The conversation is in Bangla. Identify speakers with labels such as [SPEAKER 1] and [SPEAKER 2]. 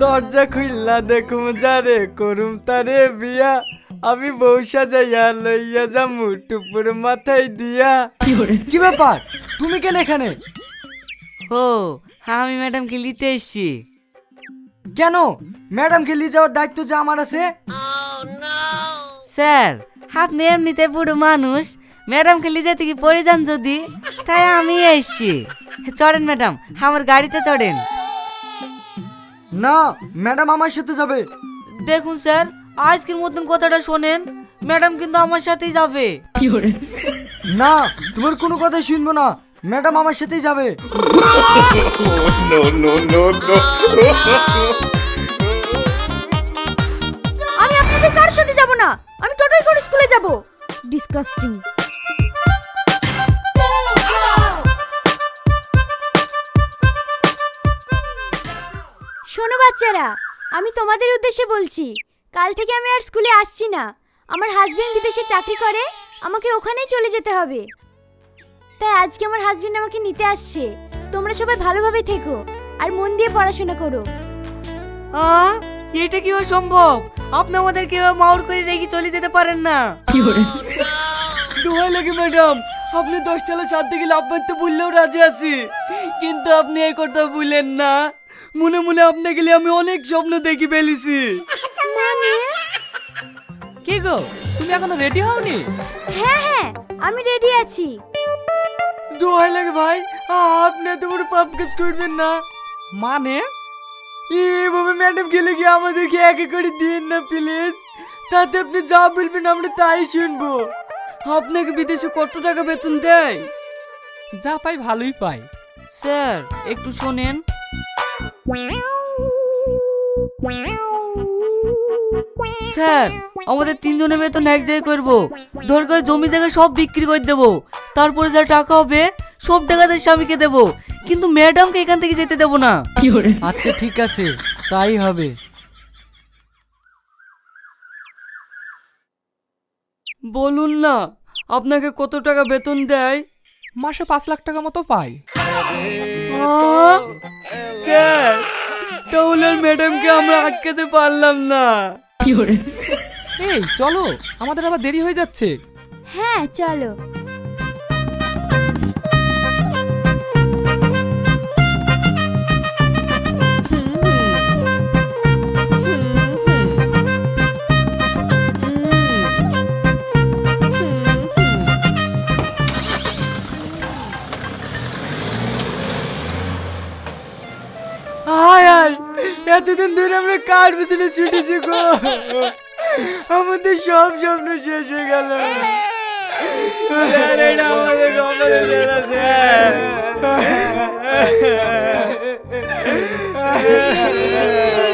[SPEAKER 1] দরজা খুললা দেখুম যারে করুম তারে বিয়া আমি বউ সাজাইয়া লইয়া যামু টুপুর মাথায় দিয়া। কি ব্যাপার তুমি কেন এখানে?
[SPEAKER 2] ও আমি ম্যাডামকে নিতে এসছি।
[SPEAKER 1] কেন ম্যাডামকে নিয়ে যাওয়ার দায়িত্ব যে আমার আছে।
[SPEAKER 2] স্যার আপনি এমনিতে বুড়ো মানুষ, ম্যাডামকে নিয়ে যেতে কি পড়ে যান যদি, তাই আমি এসছি। চড়েন ম্যাডাম, আমার গাড়িতে চড়েন।
[SPEAKER 1] না ম্যাডাম আমার সাথে যাবে।
[SPEAKER 2] দেখুন স্যার, আজকের মতন কথাটা শোনেন, ম্যাডাম কিন্তু আমার সাথেই যাবে।
[SPEAKER 1] না তোমার কোনো কথা শুনবো না, ম্যাডাম আমার সাথেই যাবে।
[SPEAKER 3] আমি আপনাদের কারোর সাথে যাব না, আমি টোটোই করে স্কুলে যাব। ডিসকাস্টিং। শোনো বাচ্চারা, আমি তোমাদের উদ্দেশ্যে বলছি, কাল থেকে আমি আর স্কুলে আসছি না। আমার হাজবেন্ড বিদেশে চাকরি করে, আমাকে ওখানেই চলে যেতে হবে। তাই আজকে আমার হাজবেন্ড আমাকে নিতে আসছে। তোমরা সবাই ভালোভাবে থেকো আর মন দিয়ে পড়াশোনা করো।
[SPEAKER 2] এটা কিভাবে সম্ভব? আপনি আমাদের কিভাবে মাউর করে রেখে চলে যেতে পারেন না?
[SPEAKER 4] দোহাই লাগে ম্যাডাম, আপনি 10 তলা ছাদ থেকে লাফ মারতে বললেও রাজি আছি, কিন্তু আপনি এই কথা বললেন না। মনে মনে আপনাকে নিয়ে আমি অনেক স্বপ্ন দেখি ফেলেছি।
[SPEAKER 5] কি গো, তুমি এখনো রেডি হওনি?
[SPEAKER 3] হ্যাঁ হ্যাঁ, আমি রেডি আছি।
[SPEAKER 1] দোহাই লাগে ভাই, আপনি এত বড় পাপ কাজ করবেন না।
[SPEAKER 5] মানে
[SPEAKER 1] এইভাবে ম্যাডাম গেলে কি আমাদেরকে একে করে দিন না প্লিজ। তাতে আপনি যা বলবেন আমরা তাই শুনবো।
[SPEAKER 4] আপনাকে বিদেশে কত টাকা বেতন দেয়?
[SPEAKER 5] যা পাই ভালোই পাই।
[SPEAKER 2] স্যার একটু শোনেন। স্যার আমাদের 3 জনের বেতন এক জায়গায় করবো, দরকার জমি জায়গা সব বিক্রি করে দেবো, তারপরে যা টাকা হবে সব টাকা তার স্বামীকে দেবো, কিন্তু ম্যাডামকে এখান থেকে যেতে দেবো না।
[SPEAKER 1] আচ্ছা ঠিক আছে, তাই হবে।
[SPEAKER 4] বলুন না, আপনাকে কত টাকা বেতন দেয়?
[SPEAKER 5] মাসে 5 লাখ টাকা মতো পাই।
[SPEAKER 4] স্যার তাহলে ম্যাডামকে আমরা আটকাতে পারলাম না।
[SPEAKER 5] এই চলো, আমাদের আবার দেরি হয়ে যাচ্ছে।
[SPEAKER 3] হ্যাঁ চলো।
[SPEAKER 1] হায় হায়, এতদিন ধরে আমরা কার পিছনে ছুটেছি গো, আমাদের সব স্বপ্ন শেষ হয়ে গেল।
[SPEAKER 4] স্যার এটা আমাদের কপালে লেখা, স্যার।